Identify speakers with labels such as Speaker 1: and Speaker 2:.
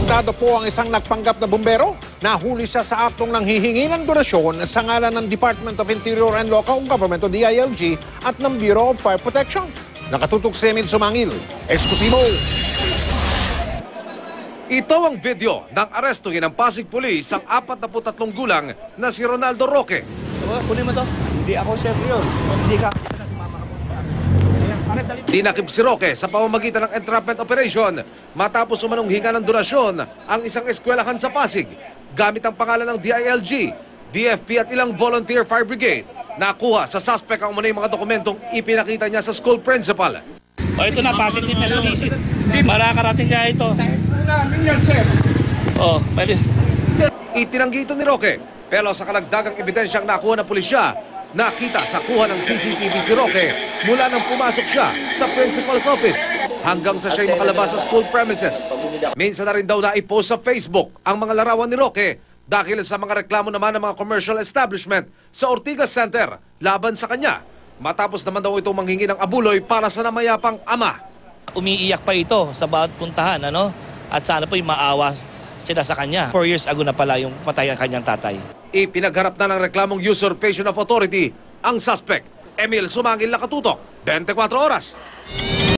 Speaker 1: Arestado po ang isang nagpanggap na bumbero. Nahuli siya sa aktong ng hihingi ng donasyon sa ngalan ng Department of Interior and Local Government o DILG at ng Bureau of Fire Protection. Nakatutok si Emil Sumangil. Eksklusibo.
Speaker 2: Ito ang video ng arestuhin ng Pasig Police ang 43 gulang na si Ronaldo Roque.
Speaker 3: Kunin mo to. Hindi ako chef yun. Hindi ka.
Speaker 2: Dinakip si Roque sa pamamagitan ng entrapment operation matapos umanong hinga ng donasyon ang isang eskwelahan sa Pasig gamit ang pangalan ng DILG, BFP at ilang volunteer fire brigade. Nakuha sa suspect ang umunay mga dokumentong ipinakita niya sa school principal.
Speaker 4: O ito na, positive na sumisid. Marakarating niya ito. Pwede.
Speaker 2: Itinanggi ito ni Roque, pero sa kalagdagang ebidensyang nakuha ng pulisya, nakita sa kuha ng CCTV si Roque mula nang pumasok siya sa principal's office hanggang sa siya'y makalabas sa school premises. Minsan na rin daw na-post sa Facebook ang mga larawan ni Roque dahil sa mga reklamo naman ng mga commercial establishment sa Ortigas Center laban sa kanya. Matapos naman daw itong manghingi ng abuloy para sa namayapang ama.
Speaker 4: Umiiyak pa ito sa bawat puntahan, ano? At sana po'y maawa sila sa kanya. 4 years ago na pala yung patay ang kanyang tatay.
Speaker 2: Ipinagharap na ng reklamong usurpation of authority ang suspect. Emil Sumangil, Nakatutok, 24 Oras.